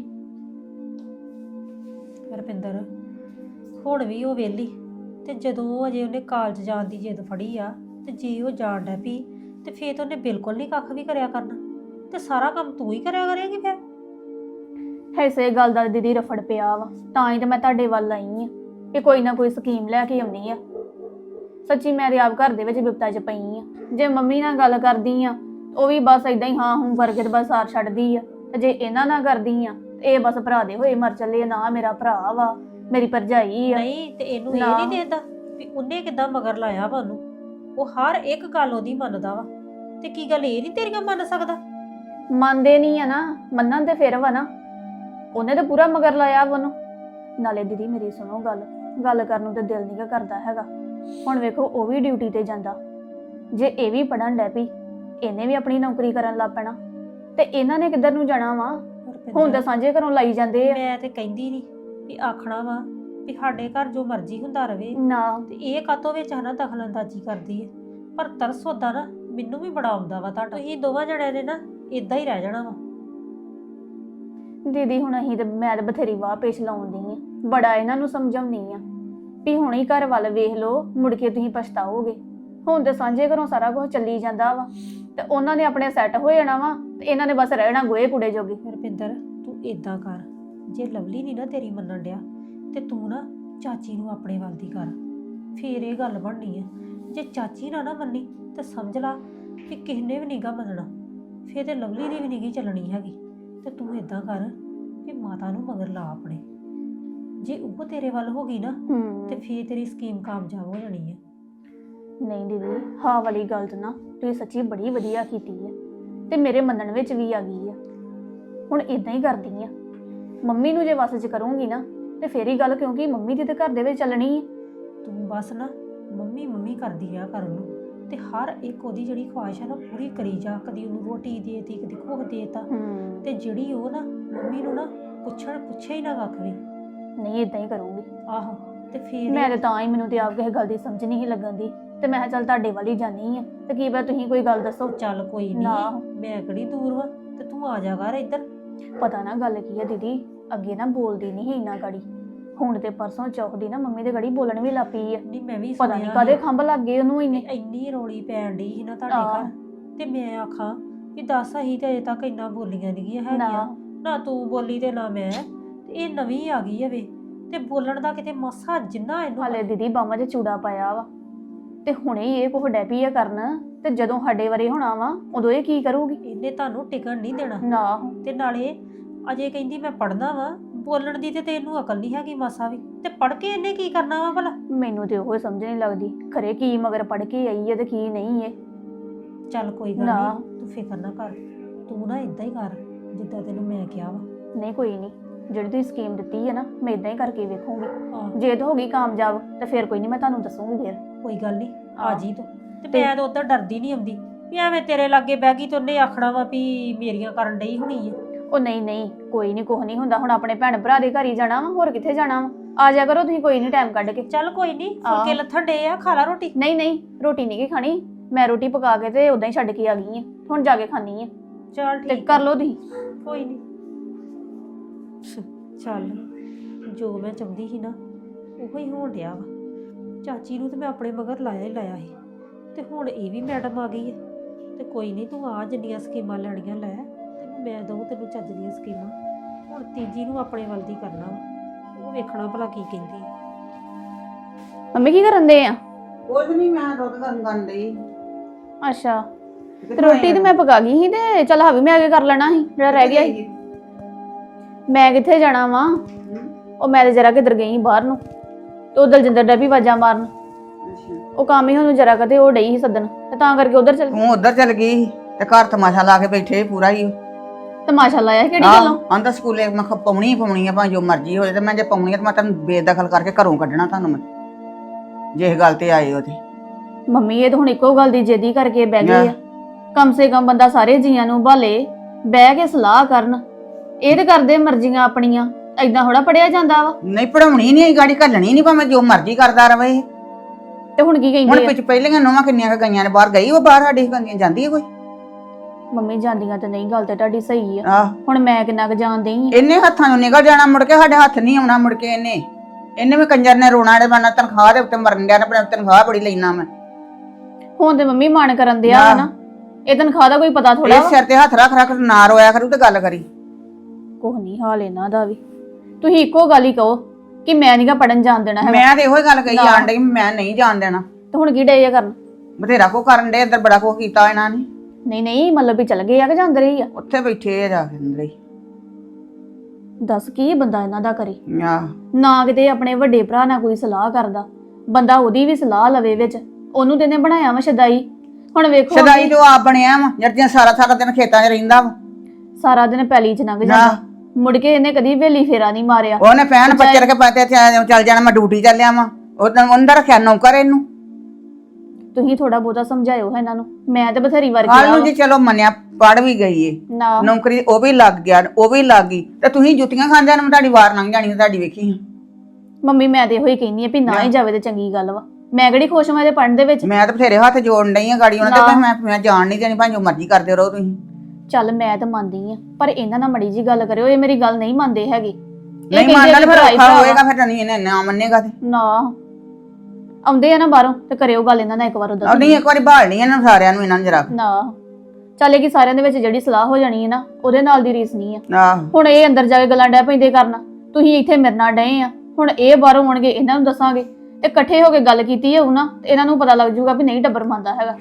S5: ਰੁਪਿੰਦਰ ਹੁਣ ਵੀ ਉਹ ਵਿਹਲੀ, ਤੇ ਜਦੋਂ ਉਹ ਅਜੇ ਉਹਨੇ ਕਾਲਜ ਜਾਣ ਦੀ ਜਿੱਦ ਫੜੀ ਆ, ਤੇ ਜੇ ਉਹ ਜਾਣ ਡੈ ਪਈ ਤੇ ਫੇਰ ਤਾਂ ਉਹਨੇ ਬਿਲਕੁਲ ਨਹੀਂ ਕੱਖ ਵੀ ਕਰਿਆ ਕਰਨਾ, ਤੇ ਸਾਰਾ ਕੰਮ ਤੂੰ ਹੀ ਕਰਿਆ ਕਰੇਂਗੀ ਫਿਰ।
S4: ਐਸੇ ਗੱਲ ਦਾ ਦੀਦੀ ਰਫੜ ਪਿਆ ਵਾ, ਤਾਂ ਹੀ ਤਾਂ ਮੈਂ ਤੁਹਾਡੇ ਵੱਲ ਆਈ ਆ ਕਿ ਕੋਈ ਨਾ ਕੋਈ ਸਕੀਮ ਲੈ ਕੇ ਆਉਣੀ ਆ। ਸੱਚੀ ਮੈਂ ਤੇ ਆਪ ਘਰ ਦੇ ਵਿੱਚ ਬਿਪਤਾ 'ਚ ਪਈ ਆ। ਜੇ ਮੰਮੀ ਨਾਲ ਗੱਲ ਕਰਦੀ ਆ ਉਹ ਵੀ ਬਸ ਇਦਾਂ ਹੀ ਹਾਂ ਹੂੰ ਕਰਕੇ ਤੇ ਬਸ ਸਾਰ ਛੱਡਦੀ ਆ, ਤੇ ਜੇ ਇਹਨਾਂ ਨਾਲ ਕਰਦੀ ਆ ਤੇ ਇਹ ਬਸ ਭਰਾ ਦੇ ਹੋਏ ਮਰ ਚੱਲੇ ਆ। ਨਾ ਮੇਰਾ ਭਰਾ ਵਾ, ਮੇਰੀ ਭਰਜਾਈ ਆ।
S5: ਨਹੀਂ ਤੇ ਇਹਨੂੰ ਇਹ
S4: ਨਾ।
S5: ਨਹੀਂ ਦੇਦਾ ਵੀ ਉਹਨੇ ਕਿੱਦਾਂ ਮਗਰ ਲਾਇਆ ਵਾ ਉਹਨੂੰ। ਉਹ ਹਰ ਇੱਕ ਗੱਲ ਉਹਦੀ ਮੰਨਦਾ ਵਾ, ਤੇ ਕੀ ਗੱਲ ਇਹ ਨਹੀਂ ਤੇਰੀਆਂ ਮੰਨ ਸਕਦਾ?
S4: ਮੰਨਦੇ ਨਹੀਂ ਆ ਨਾ, ਮੰਨਣ ਤੇ ਫਿਰ ਵਾ ਨਾ। ਉਹਨੇ ਤਾਂ ਪੂਰਾ ਮਗਰ ਲਾਇਆ ਵਾ ਉਹਨੂੰ। ਨਾਲੇ ਦੀਦੀ ਮੇਰੀ ਸੁਣੋ ਗੱਲ, ਗੱਲ ਕਰਨ ਨੂੰ ਤਾਂ ਦਿਲ ਨਹੀਂ ਕਰਦਾ ਹੈਗਾ। ਹੁਣ ਵੇਖੋ ਉਹ ਵੀ ਡਿਊਟੀ ਤੇ ਜਾਂਦਾ, ਜੇ ਇਹ ਵੀ ਪੜਨ ਡੈ ਪਈ, ਇਹਨੇ ਵੀ ਆਪਣੀ ਨੌਕਰੀ ਕਰਨ ਲੱਗ ਪੈਣਾ, ਤੇ ਇਹਨਾਂ ਨੇ ਕਿੱਧਰ ਨੂੰ ਜਾਣਾ ਵਾ? ਹੁਣ ਤਾਂ ਸਾਂਝੇ ਘਰੋਂ ਲਾਈ ਜਾਂਦੇ ਆ।
S5: ਮੈਂ ਤੇ ਕਹਿੰਦੀ ਨਹੀਂ ਵੀ ਆਖਣਾ ਵਾ ਵੀ ਸਾਡੇ ਘਰ ਜੋ ਮਰਜ਼ੀ ਹੁੰਦਾ ਰਵੇ,
S4: ਨਾ
S5: ਤੇ ਇਹ ਕਾਤੋਂ ਵਿੱਚ ਹਨਾ ਦਖਲਅੰਦਾਜ਼ੀ ਕਰਦੀ ਹੈ। ਪਰ ਤਰਸ ਹੁੰਦਾ ਨਾ ਮੈਨੂੰ ਵੀ ਬੜਾ ਆਉਂਦਾ ਵਾ ਤੁਹਾਡਾ। ਤੁਸੀਂ ਦੋਵਾਂ ਜਣਿਆਂ ਨੇ ਨਾ ਇਦਾਂ ਹੀ ਰਹਿ ਜਾਣਾ ਵਾ।
S4: ਦੀਦੀ ਹੁਣ ਅਸੀਂ ਤੇ ਮੈਂ ਤਾਂ ਬਥੇਰੀ ਵਾਹ ਪੇਸ਼ ਲਾਉਂਦੀ ਆ, ਬੜਾ ਇਹਨਾਂ ਨੂੰ ਸਮਝਾਉਣੀ ਆ ਵੀ ਹੁਣ ਹੀ ਘਰ ਵੱਲ ਵੇਖ ਲਓ, ਮੁੜ ਕੇ ਤੁਸੀਂ ਪਛਤਾਓਗੇ। ਹੁਣ ਤੇ ਸਾਂਝੇ ਘਰੋਂ ਸਾਰਾ ਕੁਝ ਚੱਲੀ ਜਾਂਦਾ ਵਾ, ਤੇ ਉਹਨਾਂ ਨੇ ਆਪਣੇ ਸੈੱਟ ਹੋ ਜਾਣਾ ਵਾ, ਤੇ ਇਹਨਾਂ ਨੇ ਬਸ ਰਹਿਣਾ ਗੋਏ ਕੁੜੇ ਜੋਗੇ।
S5: ਰੁਪਿੰਦਰ ਤੂੰ ਇਦਾਂ ਕਰ, ਜੇ ਲਵਲੀ ਨਹੀਂ ਨਾ ਤੇਰੀ ਮੰਨਣ ਡਿਆ ਤੇ ਤੂੰ ਨਾ ਚਾਚੀ ਨੂੰ ਆਪਣੇ ਵੱਲ ਦੀ ਕਰ, ਫੇਰ ਇਹ ਗੱਲ ਬਣਨੀ ਹੈ। ਜੇ ਚਾਚੀ ਨਾ ਨਾ ਮੰਨੀ ਤੇ ਸਮਝ ਲਾ ਕਿ ਕਿਸੇ ਨੇ ਵੀ ਨੀਗਾ ਮੰਨਣਾ, ਫੇਰ ਤੇ ਲਵਲੀ ਦੀ ਵੀ ਨੀਗੀ ਚੱਲਣੀ ਹੈਗੀ। ਤੇ ਤੂੰ ਇਦਾਂ ਕਰ ਕਿ ਮਾਤਾ ਨੂੰ ਮਗਰ ਲਾ ਆਪਣੇ, ਜੇ ਉਹ ਤੇਰੇ ਵੱਲ ਹੋ ਗਈ ਨਾ ਤੇ ਫੇਰ ਤੇਰੀ ਸਕੀਮ ਕਾਮਯਾਬ ਹੋ ਜਾਣੀ ਹੈ।
S4: ਨਹੀਂ ਦੀਦੀ ਹਾਂ ਵਾਲੀ ਗੱਲ ਤਾਂ ਨਾ ਤੁਸੀਂ ਸੱਚੀ ਬੜੀ ਵਧੀਆ ਕੀਤੀ ਹੈ, ਤੇ ਮੇਰੇ ਮੰਨਣ ਵਿੱਚ ਵੀ ਆ ਗਈ ਆ। ਹੁਣ ਇਦਾਂ ਹੀ ਕਰਦੀ ਆ, ਮੰਮੀ ਨੂੰ ਜੇ ਵਸ 'ਚ ਕਰੂੰਗੀ ਨਾ ਤੇ ਫੇਰ ਹੀ ਗੱਲ, ਕਿਉਂਕਿ ਮੰਮੀ ਦੀ ਤੇ ਘਰ ਦੇ ਵਿੱਚ ਚੱਲਣੀ ਹੈ।
S5: ਤੂੰ ਬਸ ਨਾ ਮੰਮੀ ਮੰਮੀ ਕਰਦੀ ਰਿਹਾ ਕਰ ਉਹਨੂੰ, ਤੇ ਹਰ ਇੱਕ ਉਹਦੀ ਜਿਹੜੀ ਖੁਆਇਸ਼ ਹੈ ਨਾ ਪੂਰੀ ਕਰੀ ਜਾ। ਕਦੀ ਉਹਨੂੰ ਰੋਟੀ ਦੇਤੀ, ਕਦੀ ਕੁਝ ਦੇਤਾ, ਤੇ ਜਿਹੜੀ ਉਹ ਨਾ ਮੰਮੀ ਨੂੰ ਨਾ ਪੁੱਛਣ ਪੁੱਛੇ ਹੀ ਨਾ ਕੱਖ ਵੀ।
S4: ਨਹੀਂ ਇਦਾਂ ਹੀ ਕਰੂੰਗੀ।
S5: ਆਹੋ ਤੇ ਫੇਰ
S4: ਮੈਂ ਤੇ ਤਾਂ ਹੀ, ਮੈਨੂੰ ਤੇ ਆਪ ਕਿਸੇ ਗੱਲ ਦੀ ਸਮਝ ਨਹੀਂ ਲੱਗਣ ਦੀ, ਤੇ ਮੈਂ ਕਿਹਾ ਚੱਲ ਤੁਹਾਡੇ ਵੱਲ ਹੀ ਜਾਨੀ ਆ, ਤੇ ਕੀ ਪਤਾ ਤੁਸੀਂ ਕੋਈ ਗੱਲ ਦੱਸੋ।
S5: ਚੱਲ ਕੋਈ
S4: ਨਾ।
S5: ਨਹੀਂ, ਮੈਂ ਕਿਹੜੀ ਦੂਰ ਵਾ, ਤੇ ਤੂੰ ਆ ਜਾ ਕਰ ਇੱਧਰ।
S4: ਪਤਾ ਨਾ ਗੱਲ ਕੀ ਹੈ ਦੀਦੀ, ਅੱਗੇ ਨਾ ਬੋਲਦੀ ਨਹੀਂ ਸੀ ਇੰਨਾ ਗੜੀ, ਹੁਣ ਤੇ ਪਰਸੋਂ ਚੌਕਦੀ ਨਾ ਮੰਮੀ ਦੇ ਗੜੀ ਬੋਲਣ ਵੀ ਲੱਗ ਪਈ ਆ।
S5: ਨਹੀਂ ਮੈਂ ਵੀ
S4: ਪਤਾ ਨਹੀਂ ਕਾਹਦੇ ਖੰਭ ਲੱਗ ਗਏ ਉਹਨੂੰ ਇੰਨੇ।
S5: ਇੰਨੀ ਰੌਲੀ ਪੈਣ ਡਈ ਸੀ ਨਾ ਤੁਹਾਡੇ
S4: ਆਹ।
S5: ਘਰ, ਤੇ ਮੈਂ ਆਖਾਂ ਵੀ ਦੱਸ ਅਸੀਂ ਤੇ ਅਜੇ ਤੱਕ ਇੰਨਾ ਬੋਲੀਆਂ ਨਹੀਂ ਹੈਗੀਆਂ,
S4: ਨਾ।
S5: ਨਾ ਤੂੰ ਬੋਲੀ ਤੇ ਨਾ ਮੈਂ, ਤੇ ਇਹ ਨਵੀਂ ਆ ਗਈ ਹੈ ਵੇ, ਤੇ ਬੋਲਣ ਦਾ ਕਿਤੇ ਮਸਾ ਜਿੰਨਾ ਇਹਨੂੰ।
S4: ਹਾਲੇ ਦੀਦੀ ਬਾਹਾਂ 'ਚ ਚੂੜਾ ਪਾਇਆ ਵਾ, ਤੇ ਹੁਣੇ ਹੀ ਇਹ ਕੁਝ ਡੈਪੀ ਆ ਕਰਨ, ਤੇ ਜਦੋਂ ਸਾਡੇ ਵਾਰੇ ਹੋਣਾ ਵਾ ਉਦੋਂ ਇਹ ਕੀ ਕਰੂਗੀ?
S5: ਇਹਨੇ ਤੁਹਾਨੂੰ ਟਿਕਣ ਨਹੀਂ ਦੇਣਾ।
S4: ਨਾ।
S5: ਤੇ ਨਾਲੇ ਅਜੇ ਕਹਿੰਦੀ ਮੈਂ ਪੜ੍ਹਨਾ ਵਾ, ਬੋਲਣ ਦੀ ਤੇ ਤੈਨੂੰ ਅਕਲ ਨਹੀਂ ਹੈਗੀ ਮਾਸਾ ਵੀ, ਤੇ ਪੜ੍ਹ ਕੇ ਇਹਨੇ ਕੀ ਕਰਨਾ ਵਾ ਭਲਾ?
S4: ਮੈਨੂੰ ਤੇ ਉਹ ਸਮਝ ਨਹੀਂ ਲੱਗਦੀ, ਖਰੇ ਕੀ ਮਗਰ ਪੜ ਕੇ ਆਈ ਹੈ ਤੇ ਕੀ ਨਹੀਂ ਹੈ।
S5: ਚੱਲ ਕੋਈ ਗੱਲ
S4: ਨਾ।
S5: ਨਹੀਂ, ਤੂੰ ਫਿਕਰ ਨਾ ਕਰ, ਤੂੰ ਨਾ ਇਦਾਂ ਹੀ ਕਰ ਜਿੱਦਾਂ ਤੈਨੂੰ ਮੈਂ ਕਿਹਾ ਵਾ।
S4: ਨਹੀਂ ਕੋਈ ਨਹੀਂ, ਜਿਹੜੀ ਤੁਸੀਂ ਸਕੀਮ ਦਿੱਤੀ ਹੈ ਨਾ ਮੈਂ ਇਦਾਂ ਹੀ ਕਰਕੇ ਵੇਖੂੰਗੀ।
S5: ਆਹ,
S4: ਜੇ ਤਾਂ ਹੋ ਗਈ ਕਾਮਯਾਬ ਤੇ ਫਿਰ ਕੋਈ ਨਹੀਂ, ਮੈਂ ਤੁਹਾਨੂੰ ਦੱਸੂੰਗੀ ਫਿਰ।
S5: ਕੋਈ ਗੱਲ ਨਹੀਂ, ਆ
S4: ਆਹ।
S5: ਜੀ ਤੂੰ। ਤੇ ਮੈਂ ਤਾਂ ਉਧਰ ਡਰਦੀ ਨਹੀਂ ਆਉਂਦੀ ਵੀ ਐਵੇਂ ਤੇਰੇ ਲਾਗੇ ਬਹਿ ਗਈ ਤੇ ਉਹਨੇ ਆਖਣਾ ਵਾ ਵੀ ਮੇਰੀਆਂ ਕਰਨ ਡਈ ਹੋਣੀ ਆ।
S4: ਉਹ ਨਹੀਂ ਨਹੀਂ ਕੋਈ ਨਹੀਂ, ਕੁਛ ਨਹੀਂ ਹੁੰਦਾ। ਹੁਣ ਆਪਣੇ ਭੈਣ ਭਰਾ ਦੇ ਘਰ ਹੀ ਜਾਣਾ ਵਾ, ਹੋਰ ਕਿੱਥੇ ਜਾਣਾ ਵਾ। ਆ ਜਾ ਕਰੋ ਤੁਸੀਂ ਕੋਈ ਨਹੀਂ ਟਾਈਮ ਕੱਢ ਕੇ।
S5: ਚੱਲ ਕੋਈ ਨਹੀਂ,
S4: ਆਹ।
S5: ਫੁਲਕੇ ਲੱਥਣ ਡੇ ਆ, ਖਾ ਲਾ ਰੋਟੀ।
S4: ਨਹੀਂ ਨਹੀਂ ਰੋਟੀ ਨਹੀਂ ਕੀ ਖਾਣੀ, ਮੈਂ ਰੋਟੀ ਪਕਾ ਕੇ ਤੇ ਉਦਾਂ ਹੀ ਛੱਡ ਕੇ ਆ ਗਈ ਆ, ਹੁਣ ਜਾ ਕੇ ਖਾਣੀ ਆ।
S5: ਚੱਲ
S4: ਤੇ
S5: ਠੀਕ
S4: ਕਰ ਲਓ ਤੁਸੀਂ।
S5: ਕੋਈ ਨਹੀਂ। ਚੱਲ ਜੋ ਮੈਂ ਚਾਹੁੰਦੀ ਸੀ ਨਾ ਉਹੋ ਹੀ ਹੋਣ ਡਿਆ ਵਾ। ਚਾਚੀ ਨੂੰ ਤੇ ਮੈਂ ਆਪਣੇ ਮਗਰ ਲਾਇਆ ਹੀ ਲਾਇਆ ਸੀ, ਤੇ ਹੁਣ ਇਹ ਵੀ ਮੈਡਮ ਆ ਗਈ ਹੈ। ਤੇ ਕੋਈ ਨਹੀਂ, ਤੂੰ ਆ ਜਿੰਨੀਆਂ ਸਕੀਮਾਂ ਲੈਣੀਆਂ ਲੈ, ਤੈਨੂੰ ਮੈਂ ਦਊਂ ਤੈਨੂੰ ਚੱਜ ਦੀਆਂ ਸਕੀਮਾਂ। ਹੁਣ ਤੀਜੀ ਨੂੰ ਆਪਣੇ ਵੱਲ ਦੀ ਕਰਨਾ ਵਾ, ਉਹ ਵੇਖਣਾ ਭਲਾ ਕੀ ਕਹਿੰਦੀ ਹੈ।
S4: ਮੰਮੀ ਕੀ ਕਰਨ ਦੇ ਆ?
S1: ਕੁਝ ਨਹੀਂ, ਮੈਂ ਦੁੱਧ ਗਰਮ ਕਰਨ ਲਈ।
S4: ਅੱਛਾ, ਤੇ ਰੋਟੀ ਤੇ ਮੈਂ ਪਕਾ ਗਈ ਸੀ, ਤੇ ਚੱਲ ਹਾਵੀ ਮੈਂ ਅੱਗੇ ਕਰ ਲੈਣਾ ਸੀ ਜਿਹੜਾ ਰਹਿ ਗਿਆ ਸੀ। ਮੈਂ ਕਿੱਥੇ ਜਾਣਾ ਵਾ, ਉਹ ਮੈਂ ਤੇ ਜਰਾ ਕਿੱਧਰ ਗਈ ਬਾਹਰ ਨੂੰ, ਤੇ ਉਹ ਦਲਜਿੰਦਰ ਡਾ ਵੀ ਆਵਾਜ਼ਾਂ ਮਾਰਨ, ਉਹ ਕੰਮ ਹੀ ਉਹਨੂੰ ਜਰਾ ਕਦੇ ਉਹ ਡਈ ਸੀ ਸੱਦਣ, ਤੇ ਤਾਂ ਕਰਕੇ ਉਧਰ ਚੱਲ
S1: ਤੂੰ ਉਧਰ ਚਲ ਗਈ ਤੇ ਘਰ ਤਮਾਸ਼ਾ ਲਾ ਕੇ ਬੈਠੇ ਪੂਰਾ ਹੀ।
S4: ਤਮਾਸ਼ਾ ਲਾਇਆ ਕਿਹੜੀ ਗੱਲੋਂ?
S1: ਆਂਦਾ ਸਕੂਲੇ ਮੈਂ ਕਿਹਾ ਪਾਉਣੀ ਹੀ ਪਾਉਣੀ ਆ, ਭਾਵੇਂ ਜੋ ਮਰਜ਼ੀ ਹੋ ਜਾਏ, ਤੇ ਮੈਂ ਜੇ ਪਾਉਣੀ ਆ ਤੇ ਮੈਂ ਤੈਨੂੰ ਬੇਦਖਲ ਕਰਕੇ ਘਰੋਂ ਕੱਢਣਾ ਤੁਹਾਨੂੰ ਮੈਂ, ਜੇ ਇਹ ਗੱਲ ਤੇ ਆਏ ਹੋ ਤੇ।
S4: ਮੰਮੀ ਇਹ ਤਾਂ ਹੁਣ ਇੱਕੋ ਗੱਲ ਦੀ ਜਿੱਦੀ ਕਰਕੇ ਬਹਿ ਗਏ
S1: ਲੈ।
S4: ਆ। ਕਮ ਸੇ ਕਮ ਬੰਦਾ ਸਾਰੇ ਜੀਆਂ ਨੂੰ ਭਾਲੇ, ਬਹਿ ਕੇ ਸਲਾਹ ਕਰਨ। ਇਹ ਤੇ ਕਰਦੇ ਮਰਜ਼ੀਆਂ ਆਪਣੀਆਂ, ਏਦਾਂ ਥੋੜਾ ਪੜਿਆ ਜਾਂਦਾ ਵਾ।
S1: ਨਹੀਂ ਪੜਾਉਣੀ ਨਹੀਂ, ਗਾੜੀ ਘੱਲਣੀ ਨਹੀਂ, ਭਾਵੇਂ ਜੋ ਮਰਜ਼ੀ ਕਰਦਾ ਰਵੇ ਇਹ।
S4: ਤੇ ਹੁਣ ਕੀ
S1: ਹੁਣ
S4: ਕਹਿੰਦੇ ਆ?
S1: ਪਿੱਛ ਪਹਿਲੀਆਂ ਨੋਵਾਂ ਕਿੰਨੀਆਂ ਕੁ ਗਈਆਂ ਨੇ ਬਾਹਰ, ਗਈ ਉਹ ਬਾਹਰ ਸਾਡੀ ਗਈਆਂ ਜਾਂਦੀ ਹੈ ਕੋਈ?
S4: ਮੰਮੀ ਜਾਂਦੀਆਂ ਤੇ ਨਹੀਂ, ਗੱਲ ਤੇ ਤੁਹਾਡੀ ਸਹੀ ਆ।
S1: ਆਹ
S4: ਹੁਣ ਮੈਂ ਕਿੰਨਾ ਕੁ ਜਾਣਦੀ ਆ।
S1: ਇਹਨੇ ਹੱਥਾਂ ਨੂੰ ਨਿਕਲ ਜਾਣਾ, ਮੁੜ ਕੇ ਸਾਡੇ ਹੱਥ ਨਹੀਂ ਆਉਣਾ ਮੁੜ ਕੇ ਇਹਨੇ। ਇਹਨੇ ਵੀ ਕੰਜਰ ਨੇ ਰੋਣਾ ਦੇ ਬਾਨਾ, ਤਨਖਾਹ ਦੇ ਉੱਤੇ ਮਰਨ ਡਿਆ ਨਾ, ਆਪਣੀ ਤਨਖਾਹ ਬੜੀ ਲੈਣਾ ਮੈਂ।
S4: ਹੁਣ ਤੇ ਮੰਮੀ ਮਨ ਕਰਨ ਦਿਆ ਵਾ ਨਾ, ਇਹ ਤਨਖਾਹ ਦਾ ਕੋਈ ਪਤਾ ਥੋੜਾ
S1: ਇਹ
S4: ਵਾ।
S1: ਸਿਰ ਤੇ ਹੱਥ ਰੱਖ ਰੱਖ ਨਾ ਰੋਇਆ ਕਰੂ ਤੇ ਗੱਲ ਕਰੀ।
S4: ਕੁਛ ਨਹੀਂ ਹਾਲ ਇਹਨਾਂ ਦਾ ਵੀ। ਤੁਸੀਂ ਇੱਕੋ ਗੱਲ ਹੀ ਕਹੋ ਕਿ ਮੈਂ ਨਹੀਂਗਾ ਪੜਨ ਜਾਣ ਦੇਣਾ ਹੈਗਾ।
S1: ਮੈਂ ਤੇ ਇਹੋ ਹੀ ਗੱਲ ਕਹੀ ਜਾਣ ਡਈ, ਮੈਂ ਨਹੀਂ ਜਾਣ ਦੇਣਾ।
S4: ਤੇ ਹੁਣ ਕੀ ਡੇ ਆ ਕਰਨ?
S1: ਬਥੇਰਾ ਕੋ ਕਰਨ ਦੇ, ਅੰਦਰ ਬੜਾ ਕੋ ਕੀਤਾ ਇਹਨਾਂ ਨੇ।
S4: ਨਹੀਂ ਨਹੀਂ, ਮਤਲਬ ਵੀ ਚਲ ਗਏ ਆ ਕਿ ਜਾਂਦੇ ਰਹੀ ਆ?
S1: ਉੱਥੇ ਬੈਠੇ ਆ ਜਾ ਕੇ ਅੰਦਰ ਹੀ।
S4: ਦੱਸ ਕੀ ਬੰਦਾ ਇਹਨਾਂ ਦਾ ਕਰੇ।
S1: ਆਹ
S4: ਨਾ ਕਿਤੇ ਆਪਣੇ ਵੱਡੇ ਭਰਾ ਨਾਲ ਕੋਈ ਸਲਾਹ ਕਰਦਾ, ਬੰਦਾ ਉਹਦੀ ਵੀ ਸਲਾਹ ਲਵੇ ਵਿੱਚ। ਉਹਨੂੰ ਤੇ ਨੇ ਬਣਾਇਆ ਵਾ ਸ਼ਦਾਈ। ਹੁਣ ਵੇਖੋ
S1: ਸਦਾਈ ਜੋ ਆਪ ਬਣਿਆ ਵਾ, ਜਿਹੜੀਆਂ ਸਾਰਾ ਸਾਰਾ ਦਿਨ ਖੇਤਾਂ 'ਚ ਰਹਿੰਦਾ ਵਾ।
S4: ਸਾਰਾ ਦਿਨ ਪੈਲੀ ਚ ਲੰਘ ਜਾਂਦਾ, ਮੁੜ ਕੇ ਇਹਨੇ ਕਦੀ ਵੇਲੀ ਫੇਰਾ ਨਹੀਂ ਮਾਰਿਆ।
S1: ਉਹਨੇ ਪੈਣ ਪੱਚਰ ਕੇ ਪਾਤੇ ਚੱਲ ਜਾਣਾ, ਮੈਂ ਡਿਊਟੀ ਚੱਲਿਆ ਵਾਂ। ਉਹ ਅੰਦਰ ਰੱਖਿਆ ਨੌਕਰ ਇਹਨੂੰ।
S4: ਤੁਸੀਂ ਥੋੜਾ ਬਹੁਤਾ ਸਮਝਾਇਓ ਇਹਨਾਂ ਨੂੰ। ਮੈਂ ਤੇ ਬਥੇਰੀ ਵਾਰ
S1: ਕੱਲ
S4: ਕਿਹਾ
S1: ਨੂੰ ਜੀ ਚਲੋ ਮੰਨਿਆ, ਪੜ ਵੀ ਗਈ ਏ,
S4: ਨਾ।
S1: ਨੌਕਰੀ ਉਹ ਵੀ ਲੱਗ ਗਿਆ, ਉਹ ਵੀ ਲੱਗ ਗਈ, ਤੇ ਤੁਸੀਂ ਜੁੱਤੀਆਂ ਖਾਂਦਿਆਂ ਨੂੰ ਤੁਹਾਡੀ ਵਾਰ ਲੰਘ ਜਾਣੀ ਤੁਹਾਡੀ, ਵੇਖੀ।
S4: ਮੰਮੀ ਮੈਂ ਤੇ ਇਹੋ ਹੀ ਕਹਿੰਦੀ ਆ ਵੀ ਨਾ ਹੀ ਜਾਵੇ ਤੇ ਚੰਗੀ ਗੱਲ ਵਾ। ਮੈਂ ਕਿਹੜੀ ਖੁਸ਼ ਹਾਂ ਇਹਦੇ ਪੜਨ ਦੇ ਵਿੱਚ।
S1: ਮੈਂ ਤਾਂ ਬਥੇਰੇ ਹੱਥ ਜੋੜਨ ਡਈ ਆ ਗਾੜੀ ਉਹਨਾਂ ਦੇ, ਪਰ ਮੈਂ ਮੈਂ ਜਾਣ ਨਹੀਂ ਦੇਣੀ, ਭਾਵੇਂ ਜੋ ਮਰਜ਼ੀ ਕਰਦੇ ਰਹੋ ਤੁਸੀਂ।
S4: ਚੱਲ ਮੈਂ ਤਾਂ ਮੰਨਦੀ ਆ, ਪਰ ਇਹਨਾਂ ਨਾਲ ਮੜੀ ਜੀ ਗੱਲ ਕਰਿਓ। ਇਹ ਮੇਰੀ ਗੱਲ ਨਹੀਂ ਮੰਨਦੇ ਹੈਗੇ। ਇਹ
S1: ਨਹੀਂ
S4: ਕਹਿੰਦੇ
S1: ਮੰਨਦਾ
S4: ਆ
S1: ਤੇ
S4: ਕਿ
S1: ਫਿਰ
S4: ਭਰਾ ਹੀ
S1: ਔਖਾ
S4: ਭਰਾ
S1: ਹੋਏਗਾ, ਫਿਰ ਨਹੀਂ ਇਹਨੇ ਨਾ ਮੰਨੇਗਾ ਤੇ।
S4: ਨਾ ਆਉਂਦੇ ਆ ਨਾ ਬਾਹਰੋਂ ਤੇ ਕਰਿਓ ਗੱਲ ਇਹਨਾਂ ਨਾਲ ਇੱਕ ਵਾਰ ਉਹਦਾ।
S1: ਉਹ ਨਹੀਂ ਇੱਕ ਵਾਰੀ ਭਾਲਣੀ ਇਹਨਾਂ ਨੂੰ, ਸਾਰਿਆਂ ਨੂੰ ਇਹਨਾਂ ਨੂੰ ਜਰਾ।
S4: ਨਾ ਚੱਲੇ ਕਿ ਸਾਰਿਆਂ ਦੇ ਵਿੱਚ ਜਿਹੜੀ ਸਲਾਹ ਹੋ ਜਾਣੀ ਹੈ ਨਾ, ਉਹਦੇ ਨਾਲ ਦੀ ਰੀਸ ਨਹੀਂ ਆ।
S1: ਆਹ
S4: ਹੁਣ ਇਹ ਅੰਦਰ ਜਾ ਕੇ ਗੱਲਾਂ ਡੈ ਪੈਂਦੇ ਕਰਨਾ, ਤੁਸੀਂ ਇੱਥੇ ਮੇਰੇ ਨਾਲ ਡਏ ਆ। ਹੁਣ ਇਹ ਬਾਹਰੋਂ ਆਉਣਗੇ, ਇਹਨਾਂ ਨੂੰ ਦੱਸਾਂਗੇ ਤੇ ਇਕੱਠੇ ਹੋ ਕੇ ਗੱਲ ਕੀਤੀ ਹੋਊ ਨਾ, ਤੇ ਇਹਨਾਂ ਨੂੰ ਪਤਾ ਲੱਗ ਜਾਊਗਾ ਵੀ ਨਹੀਂ ਟੱਬਰ ਮੰਨਦਾ ਹੈਗਾ।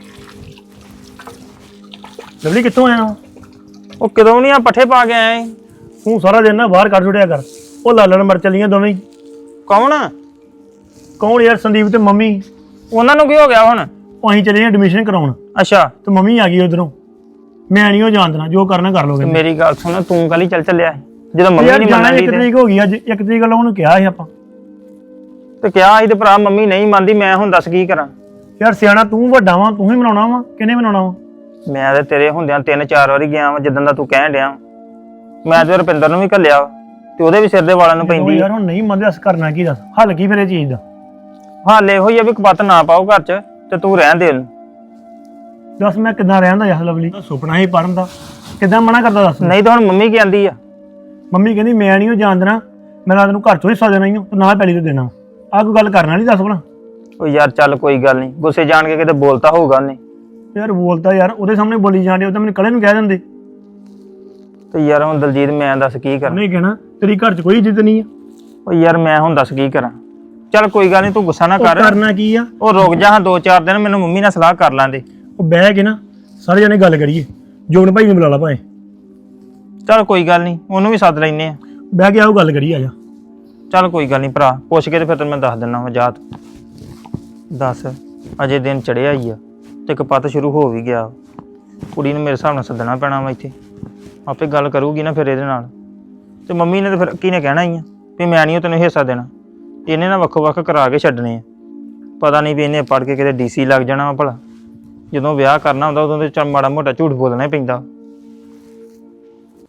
S2: ਲਵਲੀ ਕਿੱਥੋਂ ਆਇਆ?
S6: ਉਹ ਕਦੋਂ ਨਹੀਂ ਆ ਪੱਠੇ ਪਾ ਕੇ ਆਇਆ ਏ?
S2: ਤੂੰ ਸਾਰਾ ਦਿਨ ਨਾ ਬਾਹਰ ਕੱਢ ਛੁੱਟਿਆ ਕਰ। ਉਹ ਲਾਲਣ ਮਰ ਚੱਲੀਆਂ ਦੋਵੇਂ ਹੀ।
S6: ਕੌਣ?
S2: ਕੌਣ ਯਾਰ? ਸੰਦੀਪ ਤੇ ਮੰਮੀ।
S6: ਉਹਨਾਂ ਨੂੰ ਕੀ ਹੋ ਗਿਆ ਹੁਣ?
S2: ਉਹ ਅਸੀਂ ਚਲੇ ਐਡਮਿਸ਼ਨ ਕਰਾਉਣ,
S6: ਅੱਛਾ,
S2: ਤੇ ਮੰਮੀ ਆ ਗਈ ਉਧਰੋਂ। ਮੈਂ ਨਹੀਂ ਉਹ ਜਾਣ ਦੇਣਾ, ਜੋ ਕਰਨਾ ਕਰ ਲੋਗੇ।
S6: ਮੇਰੀ ਗੱਲ ਸੁਣ, ਤੂੰ ਕੱਲ ਹੀ ਚੱਲ ਚੱਲਿਆ ਸੀ ਜਦੋਂ ਮੰਮੀ
S2: ਯਾਰ
S6: ਨਹੀਂ
S2: ਜਾਣਾ
S6: ਮੰਨਣ
S2: ਇੱਕ
S6: ਦੀ।
S2: ਤਰੀਕ ਹੋ ਗਈ, ਅੱਜ ਇੱਕ ਤਰੀਕ ਵੱਲੋਂ ਉਹਨੂੰ ਕਿਹਾ ਸੀ ਆਪਾਂ।
S6: ਤੇ ਕਿਹਾ ਸੀ ਤੇ ਭਰਾ ਮੰਮੀ ਨਹੀਂ ਮੰਨਦੀ, ਮੈਂ ਹੁਣ ਦੱਸ ਕੀ ਕਰਾਂ?
S2: ਯਾਰ ਸਿਆਣਾ ਤੂੰ ਵੱਡਾ ਵਾ, ਤੂੰ ਹੀ ਮਨਾਉਣਾ ਵਾ, ਕਿਹਨੇ ਮਨਾਉਣਾ ਵਾ?
S6: ਮੈਂ ਤੇ ਤੇਰੇ ਹੁੰਦਿਆਂ ਤਿੰਨ ਚਾਰ ਵਾਰੀ ਗਿਆ ਵਾਂ, ਜਿੱਦਾਂ ਦਾ ਤੂੰ ਕਹਿਣ ਡਿਆ। ਮੈਂ ਤੇ ਰੁਪਿੰਦਰ ਨੂੰ ਵੀ ਘੱਲਿਆ ਤੇ ਉਹਦੇ ਵੀ ਸਿਰ ਦੇ ਵਾਲਾਂ ਨੂੰ ਪੈਂਦੀ।
S2: ਯਾਰ ਹੁਣ ਨਹੀਂ ਮੰਨਦੇ, ਅਸ ਕਰਨਾ ਕੀ? ਦੱਸ ਹੱਲ ਕੀ ਫਿਰ ਇਹ ਚੀਜ਼ ਦਾ?
S6: ਹਾਲ ਇਹੋ ਹੀ ਆ ਵੀ ਕਪੱਤ ਨਾ ਪਾਓ ਘਰ 'ਚ, ਤੇ ਤੂੰ ਰਹਿਣ ਦੇ ਉਹਨੂੰ।
S2: ਦੱਸ ਮੈਂ ਕਿੱਦਾਂ ਰਹਿੰਦਾ ਯਾਰ ਲਵਲੀ? ਸੁਪਨਾ ਹੀ ਪੜਨ ਦਾ, ਕਿੱਦਾਂ ਮਨਾ ਕਰਦਾ ਦੱਸ?
S6: ਨਹੀਂ ਤਾਂ ਹੁਣ ਮੰਮੀ ਕੀ ਆਂਦੀ ਆ?
S2: ਮੰਮੀ ਕਹਿੰਦੀ ਮੈਂ ਨਹੀਂ ਉਹ ਜਾਣ ਦੇਣਾ, ਮੈਂ ਨਾ ਤੈਨੂੰ ਘਰ ਚੋਂ ਹਿੱਸਾ ਦੇਣਾ ਹੀ ਤੇ ਨਾ ਪੈਲੀ ਤੇ ਦੇਣਾ। ਆਹ ਕੋਈ ਗੱਲ ਕਰਨ ਵਾਲੀ ਦੱਸ ਭਲਾ?
S6: ਉਹ ਯਾਰ ਚੱਲ ਕੋਈ ਗੱਲ ਨਹੀਂ, ਗੁੱਸੇ ਜਾਣ ਕੇ ਕਿਤੇ ਬੋਲਤਾ ਹੋਊਗਾ ਉਹਨੇ।
S2: ਯਾਰ ਬੋਲਦਾ ਯਾਰ, ਉਹਦੇ ਸਾਹਮਣੇ ਬੋਲੀ ਜਾਂਦੇ, ਉਹ ਤਾਂ ਮੈਨੂੰ ਕਲੇ ਨੂੰ ਕਹਿ ਦਿੰਦੇ।
S6: ਤੇ ਯਾਰ ਹੁਣ ਦਲਜੀਤ ਮੈਂ ਦੱਸ ਕੀ ਕਰਾਂ?
S2: ਉਹਨੇ ਕਹਿਣਾ ਤੇਰੀ ਘਰ 'ਚ ਕੋਈ ਇੱਜ਼ਤ ਨਹੀਂ ਆ।
S6: ਉਹ ਯਾਰ ਮੈਂ ਹੁਣ ਦੱਸ ਕੀ ਕਰਾਂ? ਚੱਲ ਕੋਈ ਗੱਲ ਨਹੀਂ, ਤੂੰ ਗੁੱਸਾ ਨਾ
S2: ਉਹ
S6: ਕਰ।
S2: ਕਰਨਾ ਕੀ ਆ?
S6: ਉਹ ਰੁਕ ਜਾ ਹਾਂ ਦੋ ਚਾਰ ਦਿਨ, ਮੈਨੂੰ ਮੰਮੀ ਨਾਲ ਸਲਾਹ ਕਰ ਲਾਂਦੇ।
S2: ਉਹ ਬਹਿ ਕੇ ਨਾ ਸਾਰੇ ਜਣੇ ਗੱਲ ਕਰੀਏ, ਜੋਬਨ ਭਾਈ ਨੂੰ ਬੁਲਾ ਲਾ ਭਾਵੇਂ।
S6: ਚੱਲ ਕੋਈ ਗੱਲ ਨਹੀਂ, ਉਹਨੂੰ ਵੀ ਸੱਦ ਲੈਨੇ ਆ।
S2: ਬਹਿ ਕੇ ਆਓ ਗੱਲ ਕਰੀਏ, ਆ ਜਾ।
S6: ਚੱਲ ਕੋਈ ਗੱਲ ਨਹੀਂ ਭਰਾ, ਪੁੱਛ ਕੇ ਤੇ ਫਿਰ ਤੈਨੂੰ ਮੈਂ ਦੱਸ ਦਿੰਦਾ ਵਾ। ਜਾਤ ਦੱਸ, ਅਜੇ ਦਿਨ ਚੜਿਆ ਹੀ ਆ ਤੇ ਕਪੱਤ ਸ਼ੁਰੂ ਹੋ ਵੀ ਗਿਆ। ਕੁੜੀ ਨੂੰ ਮੇਰੇ ਹਿਸਾਬ ਨਾਲ ਸੱਦਣਾ ਪੈਣਾ ਵਾ ਇੱਥੇ, ਆਪੇ ਗੱਲ ਕਰੂਗੀ ਨਾ ਫਿਰ ਇਹਦੇ ਨਾਲ। ਤੇ ਮੰਮੀ ਨੇ ਤੇ ਫਿਰ ਕੀ ਨੇ ਕਹਿਣਾ ਹੀ ਆ ਵੀ ਮੈਂ ਨਹੀਂ ਤੈਨੂੰ ਹਿੱਸਾ ਦੇਣਾ। ਇਹਨੇ ਨਾ ਵੱਖੋ ਵੱਖ ਕਰਾ ਕੇ ਛੱਡਣੇ ਆ। ਪਤਾ ਨਹੀਂ ਵੀ ਇਹਨੇ ਪੜ੍ਹ ਕੇ ਕਿਤੇ ਡੀਸੀ ਲੱਗ ਜਾਣਾ ਵਾ ਭਲਾ। ਜਦੋਂ ਵਿਆਹ ਕਰਨਾ ਹੁੰਦਾ ਉਦੋਂ ਤੇ ਚੱਲ ਮਾੜਾ ਮੋਟਾ ਝੂਠ ਬੋਲਣਾ ਹੀ ਪੈਂਦਾ।